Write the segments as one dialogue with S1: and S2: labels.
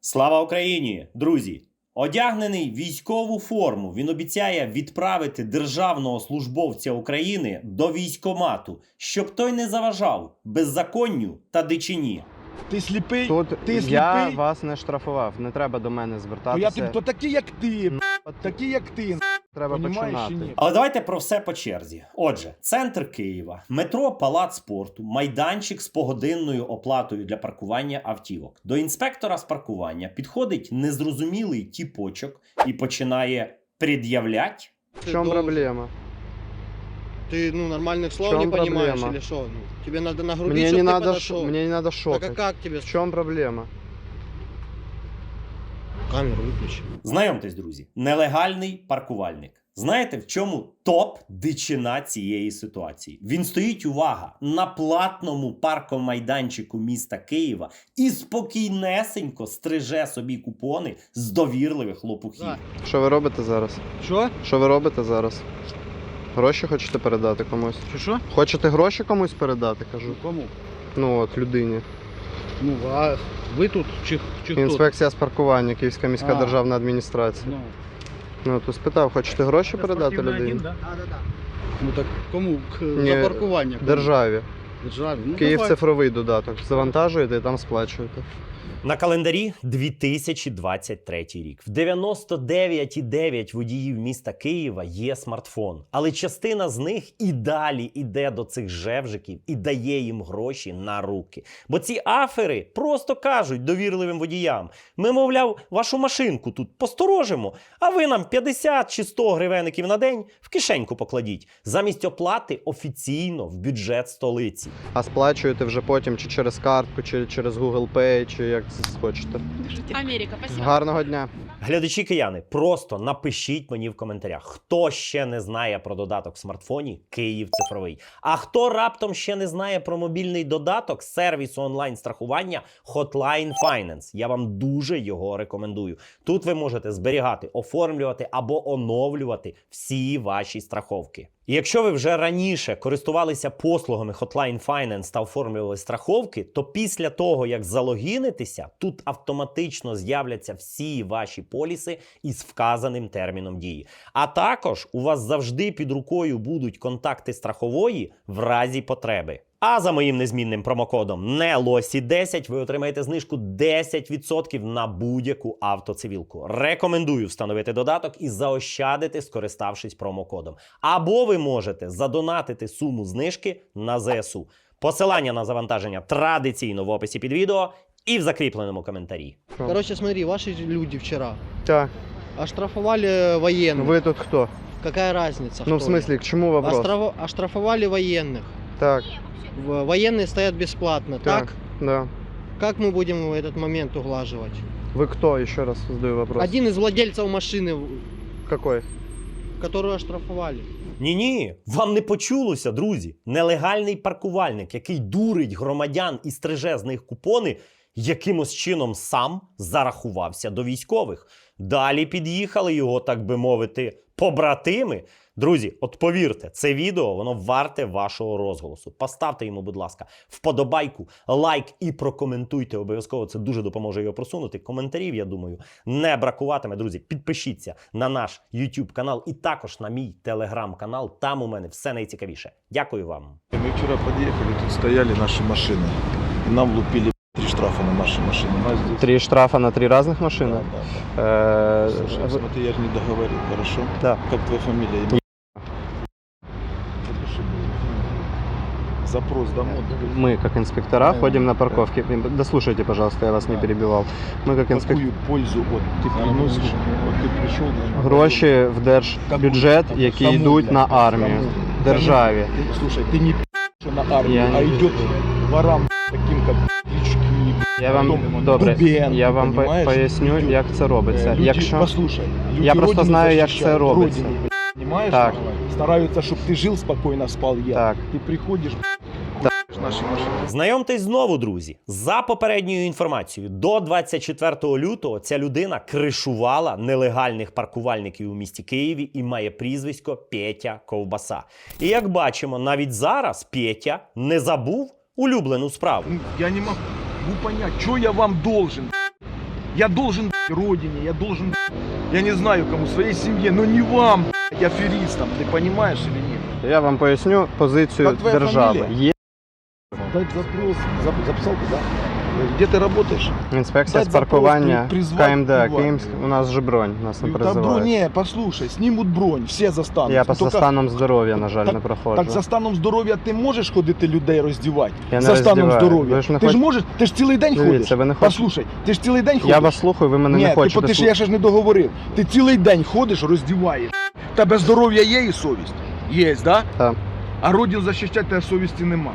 S1: Слава Україні, друзі! Одягнений в військову форму, він обіцяє відправити державного службовця України до військкомату, щоб той не заважав беззаконню та дичині.
S2: Ти сліпий?
S3: Тут
S2: Ти сліпий?
S3: я вас не штрафував, не треба до мене
S2: То
S3: звертатися.
S2: то такі, як ти. Такі, як ти.
S3: Треба
S2: Понімаєш чи
S3: починати.
S2: ні?
S1: Але давайте про все по черзі. Отже, центр Києва, метро Палац спорту, майданчик з погодинною оплатою для паркування автівок. До інспектора з паркування підходить незрозумілий тіпочок і починає пред'являть.
S3: В чому проблема?
S4: Ты, нормальных слов
S3: чем
S4: не понимаешь
S3: проблема?
S4: или что? Тебе надо нагрубить,
S3: Мне
S4: чтобы
S3: не
S4: ты
S3: надо,
S4: подошел.
S3: мне не надо
S4: Так
S3: шокать.
S4: а как тебе?
S3: В чому проблема?
S4: Камеру выключи.
S1: Знайомтесь, друзі, нелегальний паркувальник. Знаєте, в чому топ-дичина цієї ситуації? Він стоїть, увага, на платному паркомайданчику міста Києва і спокійнесенько стриже собі купони з довірливих лопухів.
S4: Да.
S3: Що ви робите зараз?
S4: Що?
S3: Що ви робите зараз? Гроші хочете передати комусь?
S4: Що?
S3: Хочете гроші комусь передати, кажу?
S4: Кому?
S3: Ну от, людині.
S4: Ну, а ви тут чи хто?
S3: Інспекція з паркування, Київська міська
S4: А.
S3: державна адміністрація.
S4: Ну,
S3: Ну, то спитав, хочете гроші передати людині?
S4: да? Ну так кому?
S3: Ні,
S4: За паркування? Кому?
S3: Державі.
S4: Державі. Ну,
S3: Київ
S4: давай.
S3: цифровий додаток. Завантажуєте і там сплачуєте.
S1: На календарі 2023 рік. В 99,9 водіїв міста Києва є смартфон. Але частина з них і далі іде до цих жевжиків і дає їм гроші на руки. Бо ці афери просто кажуть довірливим водіям: ми, мовляв, вашу машинку тут посторожимо, а ви нам 50 чи 100 гривенників на день в кишеньку покладіть. Замість оплати офіційно в бюджет столиці.
S3: А сплачуєте вже потім чи через картку, чи через Google Pay, чи як це хочете.
S5: Америка, спасибо.
S3: Гарного дня.
S1: Глядачі кияни, просто напишіть мені в коментарях, хто ще не знає про додаток в смартфоні Київ цифровий. А хто раптом ще не знає про мобільний додаток сервісу онлайн-страхування Hotline Finance. Я вам дуже його рекомендую. Тут ви можете зберігати, оформлювати або оновлювати всі ваші страховки. І якщо ви вже раніше користувалися послугами Hotline Finance та оформлювали страховки, то після того, як залогінитеся, тут автоматично з'являться всі ваші поліси із вказаним терміном дії. А також у вас завжди під рукою будуть контакти страхової в разі потреби. А за моїм незмінним промокодом NELOSI10 ви отримаєте знижку 10% на будь-яку автоцивілку. Рекомендую встановити додаток і заощадити, скориставшись промокодом. Або ви можете задонатити суму знижки на ЗСУ. Посилання на завантаження традиційно в описі під відео і в закріпленому коментарі.
S4: Короче, смотри, ваши люди вчера
S3: Так,
S4: оштрафовали военных.
S3: ви тут хто?
S4: Какая разница?
S3: Ну, в
S4: кто
S3: смысле, к чему вопрос?
S4: Оштрафовали военных.
S3: Так,
S4: Военные стоят бесплатно. Так?
S3: да.
S4: Как мы будем этот момент углаживать?
S3: Вы кто? Еще раз задаю вопрос.
S4: Один из владельцев машины,
S3: Какой?
S4: которую оштрафовали.
S1: Ні-ні, вам не почулося, друзі. Нелегальний паркувальник, який дурить громадян і стриже з них купони, якимось чином сам зарахувався до військових. Далі під'їхали його, так би мовити, побратими. Друзі, от повірте, це відео, воно варте вашого розголосу. Поставте йому, будь ласка, вподобайку, лайк і прокоментуйте обов'язково. Це дуже допоможе його просунути. Коментарів, я думаю, не бракуватиме. Друзі, підпишіться на наш YouTube канал і також на мій Telegram канал. Там у мене все найцікавіше. Дякую вам.
S2: Мы вчера подъехали, тут стояли наши машины. И нам лупили 3 штрафа на наши машины. У нас здесь...
S3: 3 штрафа на 3 разных машины?
S2: Да. Слушай, смотри, я же не договорил, хорошо?
S3: Да.
S2: Как твоя фамилия? Запиши, запрос домой.
S3: Мы, как инспектора, ходим на парковке. Дослушайте, пожалуйста, я вас не перебивал. Мы, как инспектора...
S2: Какую пользу ты приносишь? Вот ты пришел...
S3: Гроші в держбюджет, які
S2: Кому?
S3: йдуть на армію, державі.
S2: Ты, слушай, ты не что на армию,
S3: Я
S2: а
S3: не-
S2: идет ворам таким, как Клички,
S3: Я вам,
S2: потом
S3: добре,
S2: Дубенко,
S3: я вам
S2: понимаешь?
S3: поясню,
S2: Люди-
S3: як це робиться.
S2: Люди,
S3: Якщо...
S2: послушай, люди
S3: Я просто
S2: родину
S3: знаю, як
S2: защищают,
S3: це робиться.
S2: родину, понимаешь?
S3: Так.
S2: Стараются, чтобы ты жил спокойно, спал я.
S3: Так.
S2: Ты приходишь, наші машини.
S1: Знайомтесь знову, друзі. За попередньою інформацією, до 24 лютого ця людина кришувала нелегальних паркувальників у місті Києві і має прізвисько Петя Ковбаса. І як бачимо, навіть зараз Петя не забув улюблену справу.
S2: Я не могу понять, что я вам должен. Я должен родине, я должен, я не знаю кому, своей семье, но не вам, аферистам, ты понимаешь или нет?
S3: Я вам поясню позицію
S2: Як твоя
S3: держави.
S2: фамілія?
S3: Є
S2: Дать запрос, записал ты, да? Где ты работаешь?
S3: інспекція з
S2: Дать
S3: паркування
S2: запрос, призвати
S3: КМД
S2: увагу.
S3: Київськ. У нас же бронь, нас не
S2: Да, бронь,
S3: призивають.
S2: не, послушай, снимут бронь, все застанут.
S3: Я
S2: Ну,
S3: по
S2: только-
S3: станом здоров'я, на жаль,
S2: так-
S3: не проходжу.
S2: Так за станом здоров'я ти можеш ходити людей роздівати?
S3: Я не
S2: За станом
S3: роздіваю.
S2: здоров'я.
S3: Ви ж не
S2: Ти ж
S3: хоч-
S2: можеш, ти ж цілий день
S3: Дивіться,
S2: ходиш.
S3: ви не хочете-
S2: Послухай, ти ж цілий день ходиш.
S3: Я вас слухаю, ви мене
S2: Ні,
S3: не хочете
S2: ти ж я ще ж не договорив. Ти цілий день ходиш, роздіваєш. Тебе здоров'я є і совість? Є, да?
S3: Так.
S2: А родину захищати тебе совісті нема.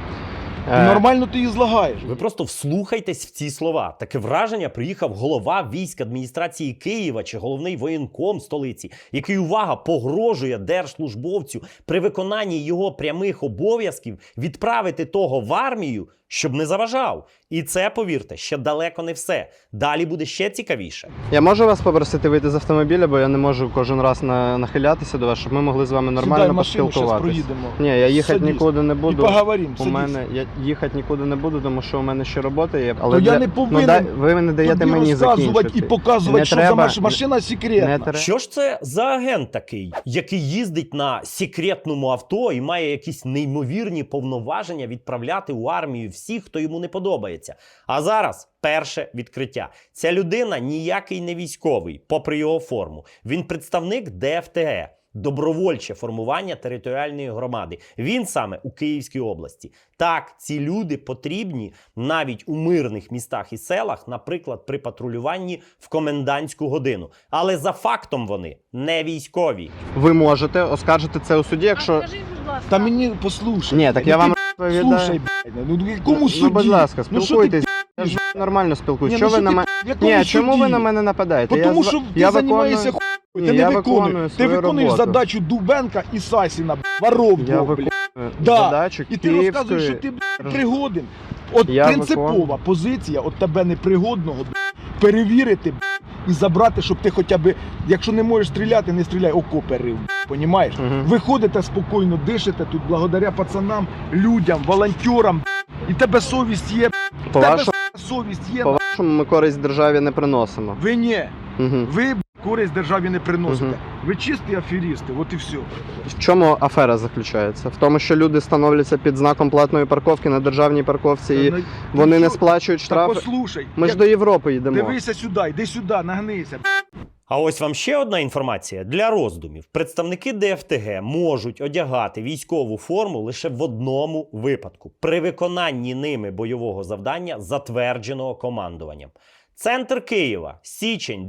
S3: Е,
S2: Нормально ти її злагаєш.
S1: Ви просто вслухайтесь в ці слова. Таке враження приїхав голова військ адміністрації Києва чи головний воєнком столиці, який, увага, погрожує держслужбовцю при виконанні його прямих обов'язків відправити того в армію, щоб не заважав. І це, повірте, ще далеко не все. Далі буде ще цікавіше.
S3: Я можу вас попросити вийти з автомобіля, бо я не можу кожен раз нахилятися до вас, щоб ми могли з вами
S2: Сідай
S3: нормально
S2: в машину, зараз
S3: поспілкуватися.
S2: проїдемо.
S3: Ні, я їхати
S2: Садись.
S3: нікуди не
S2: І
S3: буду.
S2: поговоримо,
S3: У
S2: садись.
S3: мене я їхати нікуди не буду, тому що у мене ще робота є.
S2: То я не повинен
S3: ви не даєте
S2: тобі
S3: мені
S2: розказувати
S3: закінчити.
S2: і показувати,
S3: Не
S2: що
S3: треба-
S2: за машина секретна.
S3: Не треба.
S1: Що ж це за агент такий, який їздить на секретному авто і має якісь неймовірні повноваження відправляти у армію всіх, хто йому не подобається? А зараз перше відкриття. Ця людина ніякий не військовий, попри його форму. Він представник ДФТГ. Добровольче формування територіальної громади. Він саме у Київській області. Так, ці люди потрібні навіть у мирних містах і селах, наприклад, при патрулюванні в комендантську годину. Але за фактом вони не військові.
S3: Ви можете оскаржити це у суді, якщо...
S5: Скажіть, будь ласка.
S2: Та мені послухай.
S3: Ні, так
S2: Ну,
S3: я
S2: ти,
S3: вам розповідаю.
S2: Слушай, ну кому суді?
S3: Ну, будь ласка,
S2: Ну, що ти,
S3: спілкуйтесь. Я ж нормально спілкуюсь.
S2: Ні,
S3: Що
S2: ну,
S3: ви
S2: що
S3: на
S2: ти,
S3: мене...
S2: в якому
S3: Ні, чому ви
S2: суді?
S3: на мене нападаєте?
S2: Тому
S3: Я
S2: що ти
S3: я
S2: займаєшся
S3: виконую...
S2: хуйню, ти
S3: Ні,
S2: не
S3: я
S2: виконуєш.
S3: виконую
S2: Ти
S3: свою
S2: виконуєш
S3: роботу.
S2: задачу Дубенка і Сасіна, воров
S3: Я
S2: двох,
S3: виконую
S2: Да.
S3: задачу
S2: І ти розказуєш, що
S3: Київської...
S2: ти пригоден. От
S3: Я
S2: принципова
S3: виконую.
S2: позиція от тебе непригодного перевірити і забрати, щоб ти хоча б, якщо не можеш стріляти, не стріляй, окопи рив. Понімаєш?
S3: Мгм.
S2: Ви ходите спокійно, дишите тут благодаря пацанам, людям, волонтерам. І тебе совість є,
S3: По
S2: тебе
S3: вашому,
S2: совість є.
S3: по-вашому ми користь державі не приносимо.
S2: Ви ні.
S3: Угу.
S2: Ви користь державі не приносите.
S3: Мгм.
S2: Ви чисті аферісти, от і все.
S3: В чому афера заключається? В тому, що люди становляться під знаком платної парковки на державній парковці і вони не сплачують
S2: Та
S3: штрафи.
S2: послухай,
S3: Ми ж
S2: як-
S3: до Європи йдемо.
S2: дивися сюди, йди сюди, нагнися.
S1: А ось вам ще одна інформація для роздумів. Представники ДФТГ можуть одягати військову форму лише в одному випадку – при виконанні ними бойового завдання, затвердженого командуванням. Центр Києва, січень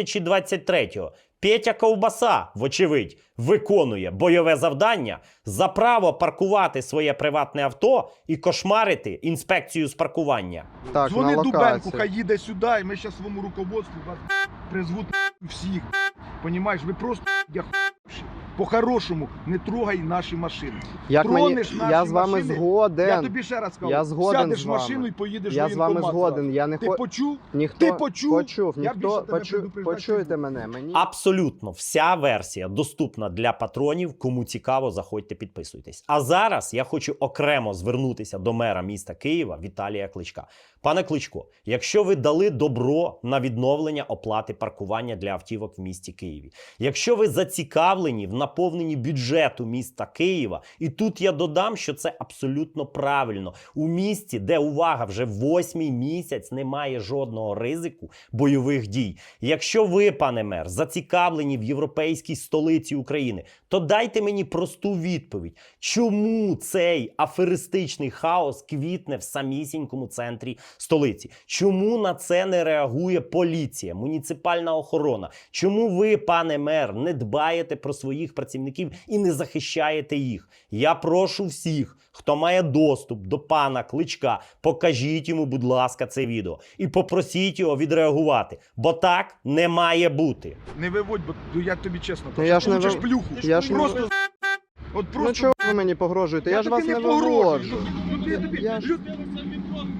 S1: 2023-го. Петя Ковбаса, вочевидь, виконує бойове завдання за право паркувати своє приватне авто і кошмарити інспекцію з паркування.
S3: Так,
S2: Дзвони
S3: на
S2: Дубенку,
S3: локації.
S2: хай їде сюди, і ми зараз своєму руководству вас призвуть всіх. Понімаєш, ви просто я по-хорошому не трогай наші машини.
S3: Як мені...
S2: Тронеш наші
S3: Я з вами
S2: машини,
S3: згоден.
S2: Я тобі ще раз кажу,
S3: Я згоден
S2: сядеш
S3: з
S2: в
S3: вами.
S2: машину і поїдеш
S3: Я
S2: в
S3: з вами
S2: воєнкомат
S3: згоден. Я не
S2: Ти
S3: хочу...
S2: почув?
S3: Ніхто...
S2: Ти почув?
S3: Почув.
S2: Я
S3: Ніхто...
S2: більше тебе предупреждати не
S3: Почуєте
S2: буду.
S3: мене. Мені...
S1: Абсолютно вся версія доступна для патронів. Кому цікаво, заходьте, підписуйтесь. А зараз я хочу окремо звернутися до мера міста Києва Віталія Кличка. Пане Кличко, якщо ви дали добро на відновлення оплати паркування для автівок в місті Києві, якщо ви зацікавлені в наповненні бюджету міста Києва, і тут я додам, що це абсолютно правильно. У місті, де, увага, вже 8-й місяць немає жодного ризику бойових дій. Якщо ви, пане мер, зацікавлені в європейській столиці України, то дайте мені просту відповідь. Чому цей аферистичний хаос квітне в самісінькому центрі столиці? Чому на це не реагує поліція, муніципальна охорона? Чому ви, пане мер, не дбаєте про своїх працівників і не захищаєте їх? Я прошу всіх, хто має доступ до пана Кличка, покажіть йому, будь ласка, це відео і попросіть його відреагувати, бо так не має бути.
S2: Не виводь, бо я тобі чесно
S3: Ну,
S2: кажу.
S3: я ж
S2: Ти
S3: не
S2: получиш
S3: вив-
S2: плюху.
S3: я ж не
S2: просто,
S3: вив-
S2: от
S3: Ну
S2: просто
S3: чого ви мені погрожуєте? Я ж
S2: тобі
S3: вас не
S2: погрожую.
S3: виводжу.
S2: Ну, ти тобі-
S3: Я ж-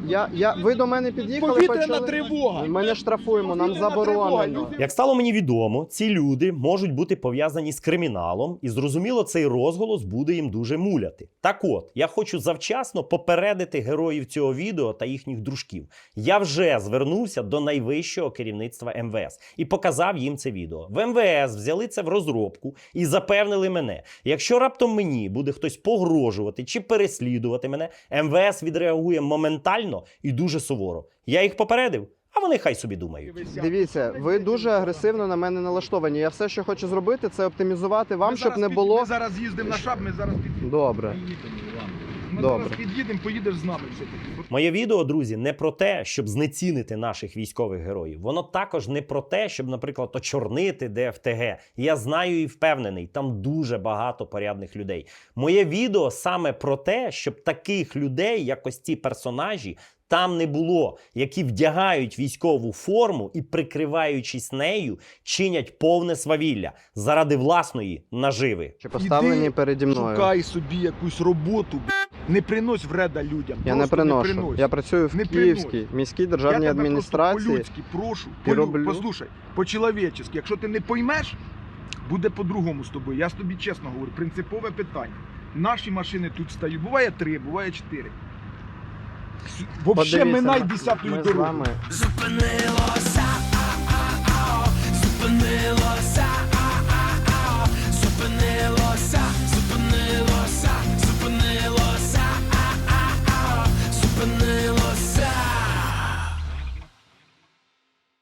S3: Ви до мене під'їхали,
S2: Повітряна
S3: почали...
S2: тривога.
S3: Ми не штрафуємо, нам
S2: Повітряна тривога,
S3: заборонено.
S2: люди.
S1: Як стало мені відомо, ці люди можуть бути пов'язані з криміналом, і зрозуміло, цей розголос буде їм дуже муляти. Так от, я хочу завчасно попередити героїв цього відео та їхніх дружків. Я вже звернувся до найвищого керівництва МВС і показав їм це відео. В МВС взяли це в розробку і запевнили мене, якщо раптом мені буде хтось погрожувати чи переслідувати мене, МВС відреагує моментально і дуже суворо. Я їх попередив, а вони хай собі думають.
S3: Дивіться, ви дуже агресивно на мене налаштовані. Я все, що хочу зробити, це оптимізувати вам,
S2: Ми
S3: щоб
S2: зараз
S3: не було...
S2: Ми зараз їздимо на шаб, ми зараз під'їдемо.
S3: Добре.
S2: Ми
S3: Добре.
S2: зараз під'їдемо, поїдеш з нами все-таки.
S1: Моє відео, друзі, не про те, щоб знецінити наших військових героїв. Воно також не про те, щоб, наприклад, очорнити ДФТГ. Я знаю і впевнений, там дуже багато порядних людей. Моє відео саме про те, щоб таких людей, як ось ці персонажі, там не було, які вдягають військову форму і, прикриваючись нею, чинять повне свавілля заради власної наживи.
S3: Чи поставлені
S2: Іди,
S3: переді мною.
S2: Шукай собі якусь роботу, не принось вреда людям.
S3: Я не
S2: Просто
S3: приношу.
S2: принось.
S3: Я працюю в
S2: Не
S3: Київській міській державній
S2: Я тебе
S3: адміністрації.
S2: просто по-людськи прошу,
S3: І роблю.
S2: послухай, по-чоловічески. Якщо ти не поймеш, буде по-другому з тобою. Я ж тобі чесно говорю, принципове питання. Наші машини тут стають, буває 3, буває 4. Взагалі,
S3: Подивіться,
S2: минай
S3: ми
S2: 10-ю
S3: з
S2: дорогу.
S3: вами
S5: Зупинила